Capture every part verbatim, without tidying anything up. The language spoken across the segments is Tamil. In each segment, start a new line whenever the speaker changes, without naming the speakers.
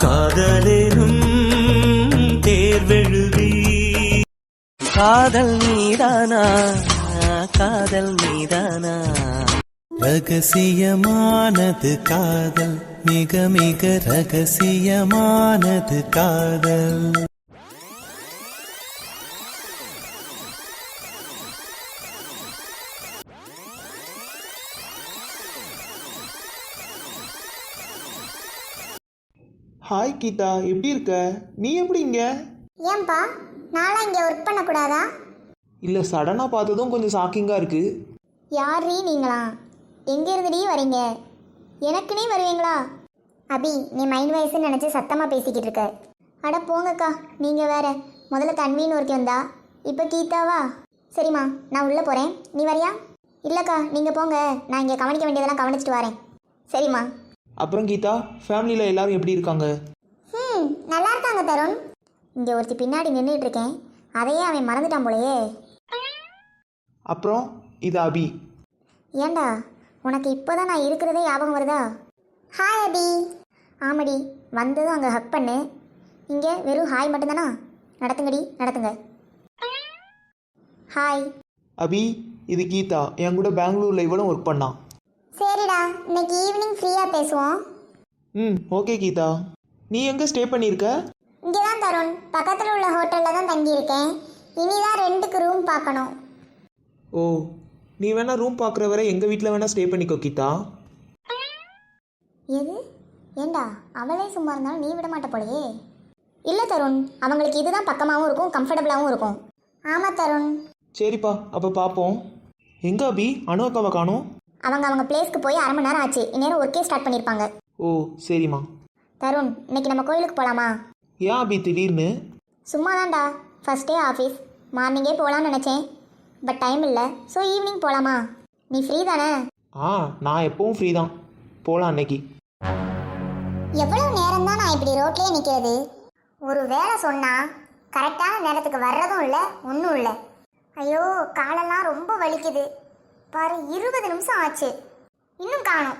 காதலேனும் தேர்வெழுதி காதல் மீதானா காதல் மீதானா ரகசியமானது காதல் மிக மிக ரகசியமானது காதல்.
ஹாய் கீதா, எப்படி இருக்க? நீ எப்படி இங்க?
ஏன்பா நான்லாம் இங்கே ஒர்க் பண்ணக்கூடாதா?
இல்லை, சடனாக பார்த்ததும் கொஞ்சம் ஷாக்கிங்காக இருக்கு.
யாரீ நீங்களா? எங்கே இருந்துடி வரீங்க? எனக்குனே வருவீங்களா? அபி, நீ மைண்ட் வயசுன்னு நினச்சி சத்தமாக பேசிக்கிட்டு இருக்க. அட போங்கக்கா, நீங்கள் வேற. முதல்ல தன்வின்னு ஒருக்கி வந்தா, இப்போ கீதாவா? சரிம்மா, நான் உள்ளே போகிறேன், நீ வரியா? இல்லைக்கா, நீங்கள் போங்க, நான் இங்கே கவனிக்க வேண்டியதெல்லாம் கவனிச்சிட்டு வரேன். சரிம்மா.
அப்புறம் கீதா, ஃபேமிலியில் எல்லாரும் எப்படி இருக்காங்க?
ம் நல்லா இருக்காங்க தருண். இங்கே ஒருத்தி பின்னாடி நின்றுட்டு இருக்கேன், அதையே அவன் மறந்துட்டான் போலையே.
அப்புறம் இது அபி.
ஏண்டா, உனக்கு இப்போதான் நான் இருக்கிறதே ஞாபகம் வருதா? ஹாய் அபி. ஆமாடி, வந்ததும் அங்கே ஹக் பண்ணு. இங்கே வெறும் ஹாய் மட்டும்தானா? நடத்துங்கடி, நடத்துங்க. ஹாய்
அபி, இது கீதா, என் கூட பெங்களூரில் இவ்வளோ ஒர்க் பண்ணான்.
சரிடா, இன்னைக்கு ஈவினிங் ஃப்ரீயாக பேசுவோம்.
ம் ஓகே கீதா. நீ எங்கே ஸ்டே பண்ணியிருக்க?
இங்கே தான் தருண், பக்கத்தில் உள்ள ஹோட்டலில் தான் தங்கியிருக்கேன். இனிதான் ரெண்டுக்கு ரூம் பார்க்கணும்.
ஓ, நீ வேணா ரூம் பார்க்குற வரை எங்கள் வீட்டில் வேணா ஸ்டே பண்ணிக்கோ கீதா.
எது? ஏண்டா, அவளே சும்மா இருந்தாலும் நீ விட மாட்ட போலையே. இல்லை தருண், அவங்களுக்கு இதுதான் பக்கமாகவும் இருக்கும், கம்ஃபர்டபுளாகவும் இருக்கும். ஆமாம் தருண்.
சரிப்பா, அப்போ பார்ப்போம். எங்கே அபி, அனு அக்காவை காணோம்?
அவங்க அவங்க பிளேஸ்க்கு போய் அரை மணி நேரம் ஆச்சு. இந்நேரம் ஒர்க்கே ஸ்டார்ட் பண்ணியிருப்பாங்க.
ஓ சரிம்மா.
தருண், இன்னைக்கு நம்ம கோயிலுக்கு போகலாமா?
ஏன் அபி திடீர்னு?
சும்மா தான்டா, ஃபஸ்ட் டே ஆஃபீஸ், மார்னிங்கே போகலான்னு நினச்சேன். பட் டைம் இல்லை, ஸோ ஈவினிங் போகலாமா? நீ ஃப்ரீ தானே?
ஆ, நான் எப்பவும் ஃப்ரீ தான், போகலாம் அன்னைக்கு.
எவ்வளோ நேரம் தான் நான் இப்படி ரோட்லேயே நிற்கிறது? ஒரு வேலை சொன்னால் கரெக்டான நேரத்துக்கு வர்றதும் இல்லை, ஒன்றும் இல்லை. ஐயோ, காலெல்லாம் ரொம்ப வலிக்குது பாரு. இருபது நிமிஷம் ஆச்சு, இன்னும் காணோம்.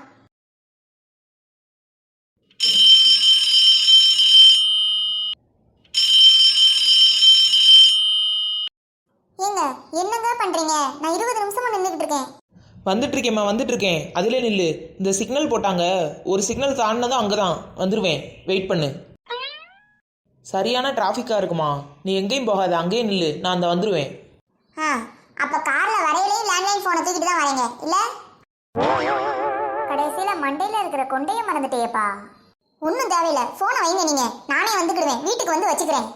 ஏங்க, என்னங்க பண்றீங்க? நான் இருபது நிமிஷமா நின்றுட்டு இருக்கேன்.
வந்துட்டு இருக்கேம்மா, வந்துட்டு இருக்கேன். அதிலே நில்லு. இந்த சிக்னல் போட்டாங்க, ஒரு சிக்னல் தாண்டினதும் அங்கே தான் வந்துடுவேன். வெயிட் பண்ணு. சரியான டிராஃபிக்காக இருக்குமா, நீ எங்கேயும் போகாத, அங்கேயும் நில்லு, நான் அந்த வந்துடுவேன்.
ஆ, அப்போ காரில் வரையிலே லேண்ட்லைன் ஃபோனை தூக்கிட்டு தான் வரீங்க இல்லை? கடைசியில் மண்டையில் இருக்கிற கொண்டையை மறந்துட்டேப்பா. ஒன்றும் தேவையில்லை, ஃபோனை வைங்க, நீங்கள் நானே வந்துக்கிடுவேன், வீட்டுக்கு வந்து வச்சுக்கிறேன்.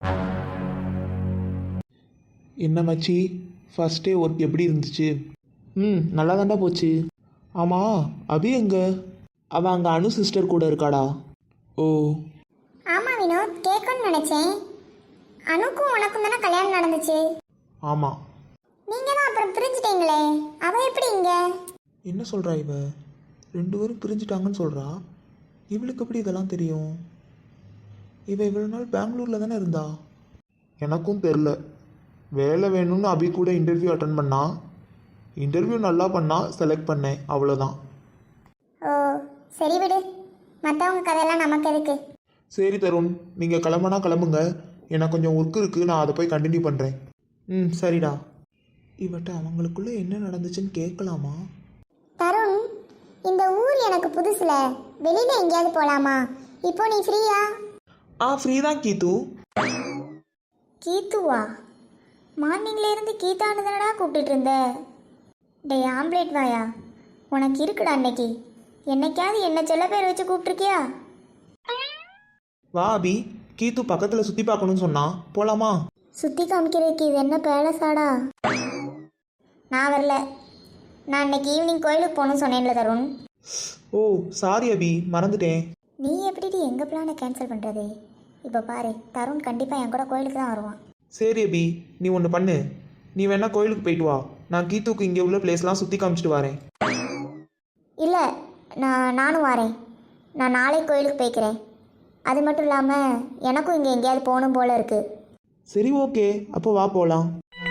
என்ன மச்சி, ஃபர்ஸ்ட் டே ஒர்க் எப்படி இருந்துச்சு? ம் நல்லா தாண்டா போச்சு. ஆமாம், அபி எங்க? அவள் அங்கே அனு சிஸ்டர் கூட இருக்காடா. ஓ
ஆமாம் வினோத், கேட்கணும்னு நினச்சேன். அனுக்கும் உனக்கும் தானே கல்யாணம் நடந்துச்சு?
ஆமாம்.
நீங்கள் தான் அப்புறம் பிரிஞ்சுட்டீங்களே, அவள் எப்படி இங்க?
என்ன சொல்கிறா இவ? ரெண்டு பேரும் பிரிஞ்சுட்டாங்கன்னு சொல்கிறா. இவளுக்கு எப்படி இதெல்லாம் தெரியும்? இவ இவ்வளோ நாள் பெங்களூரில் தானே இருந்தா. எனக்கும் தெரில. வேலை வேணும்னு அபி கூட இன்டர்வியூ அட்டன் பண்ணா. இன்டர்வியூ நல்லா பண்ணா, செலக்ட் பண்ணேன், அவ்வளோதான்.
ஓ சரி விடு, மற்றவங்க கதையெல்லாம் நமக்கு எதுக்கு?
சரி தருண், நீங்கள் கிளம்புனா கிளம்புங்க, எனக்கு கொஞ்சம் ஒர்க் இருக்குது, நான் அதை போய் கண்டினியூ பண்ணுறேன். ம் சரிடா. இவட்ட அவங்களுக்குள்ளே என்ன நடந்துச்சுன்னு கேட்கலாமா?
தருண், இந்த ஊர் எனக்கு புதுசுல, வெளியில் எங்கேயாவது போகலாமா? இப்போ நீ ஃப்ரீயா?
ஆ ஃப்ரீ தான் கீத்து.
கீத்துவா? மார்னிங்ல இருந்து கீதான்னு தானடா கூப்பிட்டுட்டு இருந்த. டே ஆம்லேட் வாயா, உனக்கு இருக்குடா அன்னைக்கு. என்னைக்காவது என்ன செல்ல பேர் வச்சு கூப்பிட்டுருக்கியா?
வா அபி, கீத்து பக்கத்தில் சுற்றி பார்க்கணும்னு சொன்னா, போகலாமா?
சுற்றி காமிக்கிறதுக்கு இது என்ன பேலஸாடா? நான் வரல, நான் இன்னைக்கு ஈவினிங் கோயிலுக்கு போகணும்னு சொன்னேன்ல தருண்.
ஓ சாரி அபி, மறந்துட்டேன்.
நீ எப்படி எங்கள் பிளானை கேன்சல் பண்ணுறது? இப்போ பாரு, தருண் கண்டிப்பாக என் கூட கோயிலுக்கு தான் வருவான்.
சரி அபி, நீ ஒன்று பண்ணு, நீ வேணா கோயிலுக்கு போயிட்டு வா, நான் கீத்துக்கு இங்கே உள்ள பிளேஸ்லாம் சுற்றி காமிச்சிட்டு வரேன்.
இல்லை, நான் நானும் வரேன். நான் நாளை கோயிலுக்கு போய்க்கிறேன். அது மட்டும் இல்லாமல் எனக்கும் இங்கே எங்கேயாவது போகணும் போல் இருக்குது.
சரி ஓகே, அப்போ வா போகலாம்.